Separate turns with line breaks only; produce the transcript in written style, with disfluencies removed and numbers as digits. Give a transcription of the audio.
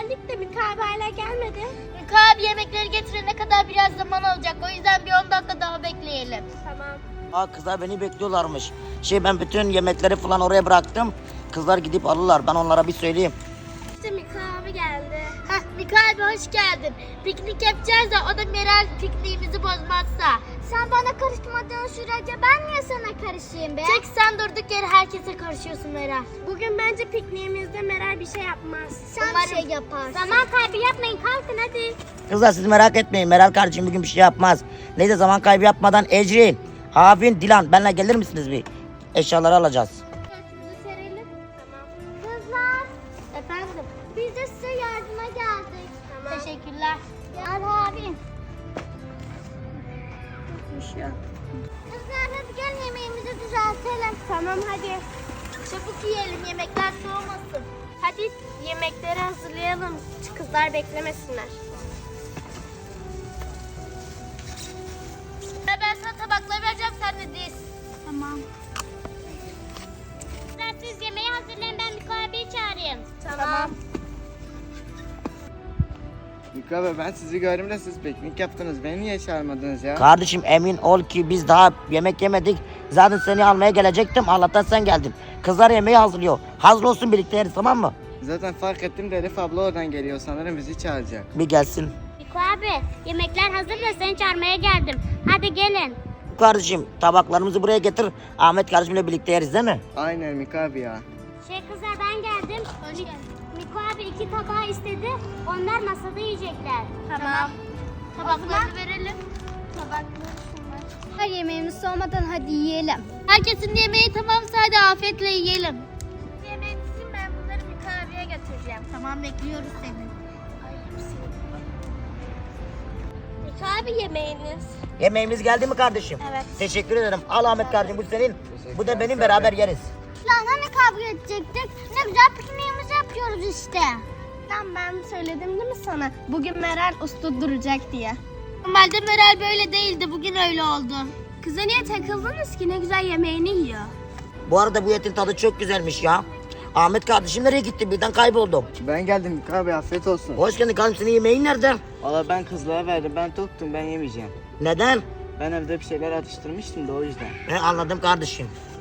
geldik de Mika abi hala gelmedi.
Mika abi yemekleri getirene kadar biraz zaman olacak. O yüzden bir 10 dakika daha bekleyelim.
Tamam.
Aa, kızlar beni bekliyorlarmış. Ben bütün yemekleri falan oraya bıraktım. Kızlar gidip alırlar. Ben onlara bir söyleyeyim.
İşte Mika abi geldi.
Heh, Mika abi hoş geldin. Piknik yapacağız da o da Meral pikniğimizi bozmazsa.
Sen bana karışmadığın sürece ben niye sana karışayım be?
Çek sen durduk yere herkese karışıyorsun Meral.
Bugün bence pikniğimizde Meral bir şey yapmaz.
Sen bir şey
yaparsın. Zaman kaybı yapmayın, kalkın hadi.
Kızlar siz merak etmeyin. Meral kardeşim bugün bir şey yapmaz. Neyse zaman kaybı yapmadan Ecrin, Havin, Dilan benimle gelir misiniz bir? Eşyaları alacağız.
Örtümüzü serelim. Tamam. Kızlar.
Efendim?
Biz de size yardıma geldik. Tamam.
Teşekkürler.
Al abi. Kızlar hadi gel yemeğimizi düzeltelim. Tamam hadi.
Çabuk yiyelim yemekler soğumasın.
Hadi yemekleri hazırlayalım. Kızlar beklemesinler.
Ben sana tabakları vereceğim sen de diz.
Tamam. Siz yemeği hazırlayın, ben Mika abiyi çağırayım. Tamam.
Mika abi ben sizi gördüm de siz piknik yaptınız. Beni niye çağırmadınız ya?
Kardeşim emin ol ki biz daha yemek yemedik. Zaten seni almaya gelecektim. Allah'tan sen geldin. Kızlar yemeği hazırlıyor. Hazır olsun birlikte yeriz, tamam mı?
Zaten fark ettim de Elif abla oradan geliyor. Sanırım bizi çağıracak.
Bir gelsin.
Mika abi yemekler hazır da seni çağırmaya geldim. Hadi gelin.
Kardeşim tabaklarımızı buraya getir. Ahmet kardeşimle birlikte yeriz değil mi?
Aynen Mika abi ya.
Kızlar ben geldim. Miko abi 2 tabağı istedi. Onlar masada yiyecekler.
Tamam. Tabaklarını verelim.
Her yemeğimiz soğumadan hadi yiyelim.
Herkesin yemeği tamamsa hadi afiyetle yiyelim.
Yemeğinizi ben bunları Miko abiye götüreceğim.
Tamam bekliyoruz seni.
Miko abi yemeğiniz.
Yemeğimiz geldi mi kardeşim?
Evet.
Teşekkür ederim. Al Ahmet kardeşim, bu senin. Bu da benim, beraber yeriz.
Lan hani kavga edecektik? Ne güzel pikniğimizi yapıyoruz işte. Lan ben söyledim değil mi sana? Bugün Meral usta duracak diye.
Normalde Meral böyle değildi. Bugün öyle oldu.
Kıza niye takıldınız ki? Ne güzel yemeğini yiyor.
Bu arada bu etin tadı çok güzelmiş ya. Ahmet kardeşim nereye gitti? Birden kayboldum.
Ben geldim Mika abi, afiyet olsun.
Hoş geldin kardeşim, senin yemeğin nerede?
Valla ben kızlara verdim. Ben toktum, ben yemeyeceğim.
Neden?
Ben evde bir şeyler atıştırmıştım da o yüzden.
Anladım kardeşim.